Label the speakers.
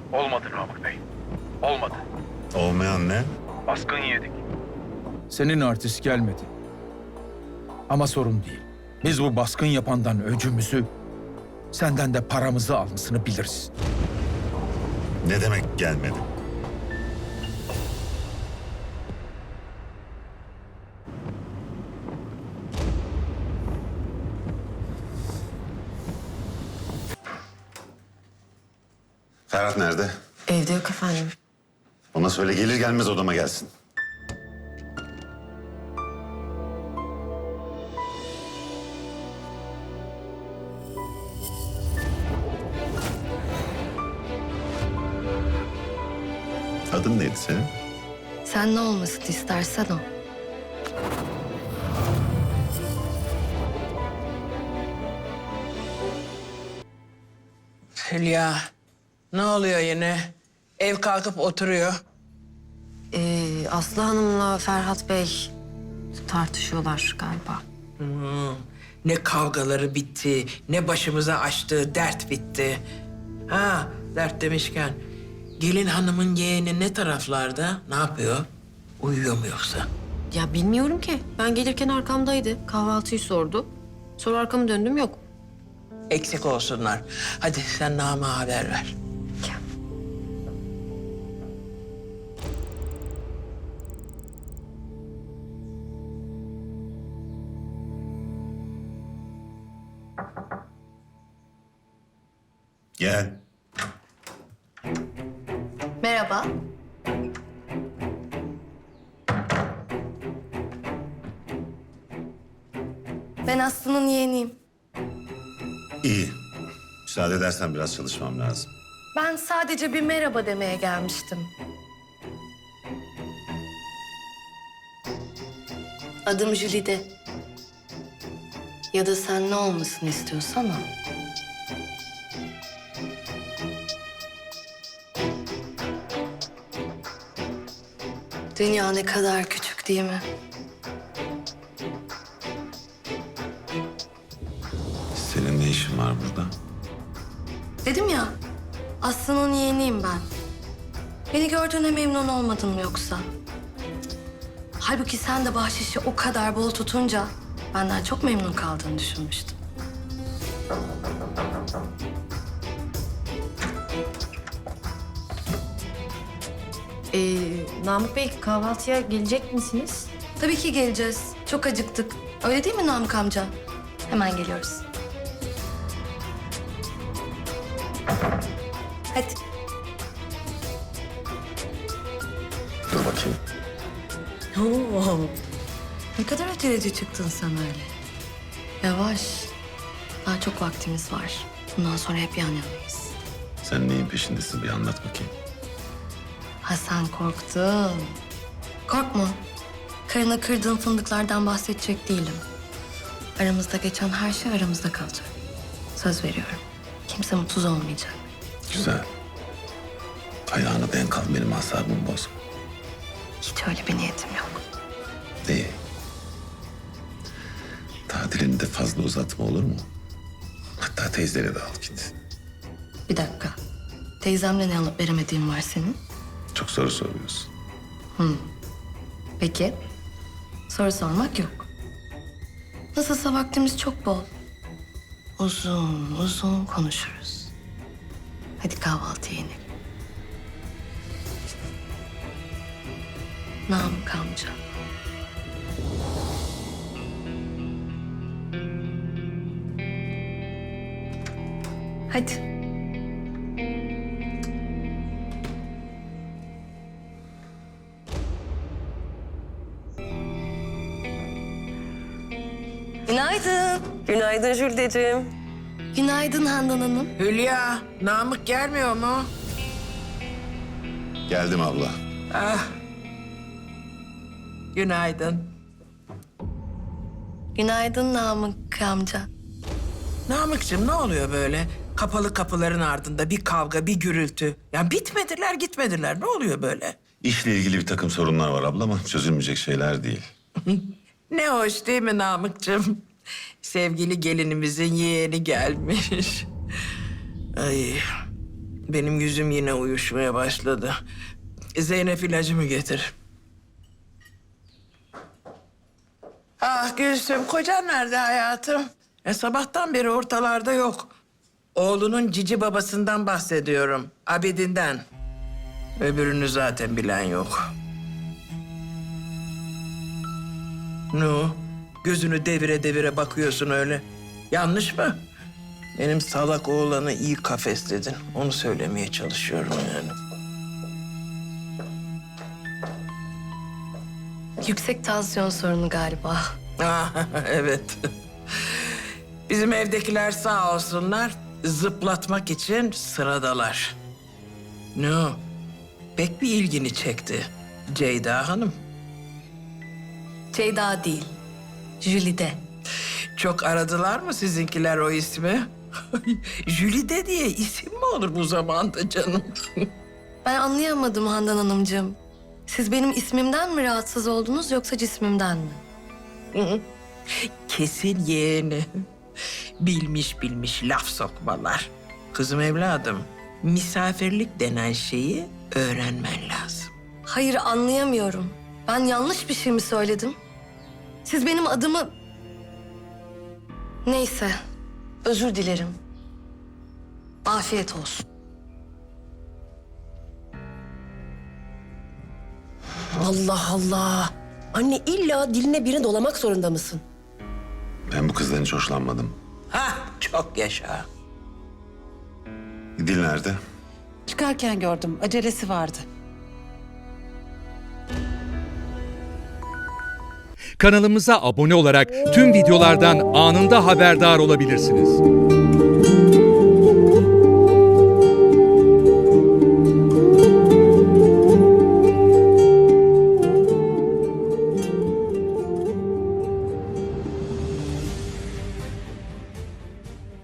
Speaker 1: Olmadı Namık Bey. Olmadı.
Speaker 2: Olmayan ne?
Speaker 1: Baskın yedik.
Speaker 3: Senin artist gelmedi. Ama sorun değil. Biz bu baskın yapandan öcümüzü, senden de paramızı almasını biliriz.
Speaker 2: Ne demek gelmedi? Ferhat nerede?
Speaker 4: Evde yok efendim.
Speaker 2: Ona söyle gelir gelmez odama gelsin. Adın neydi senin?
Speaker 4: Sen ne olmasını istersen o.
Speaker 5: Hülya, ne oluyor yine? Ev kalkıp oturuyor.
Speaker 4: Aslı Hanım'la Ferhat Bey tartışıyorlar galiba.
Speaker 5: Ne kavgaları bitti, ne başımıza açtığı dert bitti. Ha, dert demişken, gelin hanımın yeğeni ne taraflarda? Ne yapıyor? Uyuyor mu yoksa?
Speaker 4: Ya bilmiyorum ki. Ben gelirken arkamdaydı. Kahvaltıyı sordu. Sonra arkamı döndüm yok.
Speaker 5: Eksik olsunlar. Hadi sen Namık'a haber ver.
Speaker 2: Gel.
Speaker 4: Merhaba. Ben Aslı'nın yeğeniyim.
Speaker 2: İyi. Müsaade edersen biraz çalışmam lazım.
Speaker 4: Ben sadece bir merhaba demeye gelmiştim. Adım Jülide. Ya da sen ne olmasını istiyorsan o. Dünya ne kadar küçük değil mi?
Speaker 2: Senin ne işin var burada?
Speaker 4: Dedim ya, Aslı'nın yeğeniyim ben. Beni gördüğüne memnun olmadın mı yoksa? Halbuki sen de bahşişi o kadar bol tutunca benden çok memnun kaldığını düşünmüştüm.
Speaker 6: Namık Bey kahvaltıya gelecek misiniz?
Speaker 4: Tabii ki geleceğiz. Çok acıktık. Öyle değil mi Namık amca? Hemen geliyoruz. Hadi.
Speaker 2: Dur bakayım.
Speaker 4: Oo. Ne kadar aceleci çıktın sen öyle. Yavaş. Daha çok vaktimiz var. Bundan sonra hep yan yanayız.
Speaker 2: Sen neyin peşindesin bir anlat bakayım.
Speaker 4: Ha sen korktun. Korkma. Karına kırdığın fındıklardan bahsedecek değilim. Aramızda geçen her şey aramızda kalacak. Söz veriyorum. Kimse mutsuz olmayacak.
Speaker 2: Güzel. Ayağını denk al benim asabımı bozma.
Speaker 4: Hiç öyle bir niyetim yok.
Speaker 2: İyi. Tatilini de fazla uzatma olur mu? Hatta teyzelere de al git.
Speaker 4: Bir dakika. Teyzemle ne alıp veremediğin var senin?
Speaker 2: Çok soru soruyorsun.
Speaker 4: Peki. Soru sormak yok. Nasılsa vaktimiz çok bol. Uzun uzun konuşuruz. Hadi kahvaltıya inelim. Namık amca. Hadi. Günaydın.
Speaker 6: Günaydın Jülideciğim.
Speaker 4: Günaydın Handan Hanım.
Speaker 5: Hülya, Namık gelmiyor mu?
Speaker 2: Geldim abla.
Speaker 5: Ah. Günaydın.
Speaker 4: Günaydın Namık amca.
Speaker 5: Namık'cığım ne oluyor böyle? Kapalı kapıların ardında bir kavga, bir gürültü. Ya bitmediler, gitmediler. Ne oluyor böyle?
Speaker 2: İşle ilgili bir takım sorunlar var abla ama çözülmeyecek şeyler değil.
Speaker 5: Ne hoş değil mi Namık'cığım? Sevgili gelinimizin yeğeni gelmiş. Ay, Benim yüzüm yine uyuşmaya başladı. Zeynep ilacımı getir. Ah Gülsüm, kocan nerede hayatım? Sabahtan beri ortalarda yok. Oğlunun cici babasından bahsediyorum. Abidin'den. Öbürünü zaten bilen yok. Ne o? Gözünü devire devire bakıyorsun öyle. Yanlış mı? Benim salak oğlanı iyi kafesledin. Onu söylemeye çalışıyorum yani.
Speaker 4: Yüksek tansiyon sorunu galiba.
Speaker 5: Ah, evet. Bizim evdekiler sağ olsunlar zıplatmak için sıradalar. Ne o? Pek bir ilgini çekti Ceyda Hanım.
Speaker 4: Ceyda değil, Jülide.
Speaker 5: Çok aradılar mı sizinkiler o ismi? Jülide diye isim mi olur bu zamanda canım?
Speaker 4: Ben anlayamadım Handan Hanımcığım. Siz benim ismimden mi rahatsız oldunuz yoksa cismimden mi?
Speaker 5: Kesin yeğeni. Bilmiş bilmiş laf sokmalar. Kızım evladım, misafirlik denen şeyi öğrenmen lazım.
Speaker 4: Hayır anlayamıyorum. Ben yanlış bir şey mi söyledim? Siz benim adımı... Neyse, özür dilerim. Afiyet olsun.
Speaker 7: Allah Allah. Anne illa diline birini dolamak zorunda mısın?
Speaker 2: Ben bu kızdan hiç hoşlanmadım.
Speaker 5: Hah, çok yaşa.
Speaker 2: Dil nerede?
Speaker 8: Çıkarken gördüm. Acelesi vardı.
Speaker 9: Kanalımıza abone olarak tüm videolardan anında haberdar olabilirsiniz.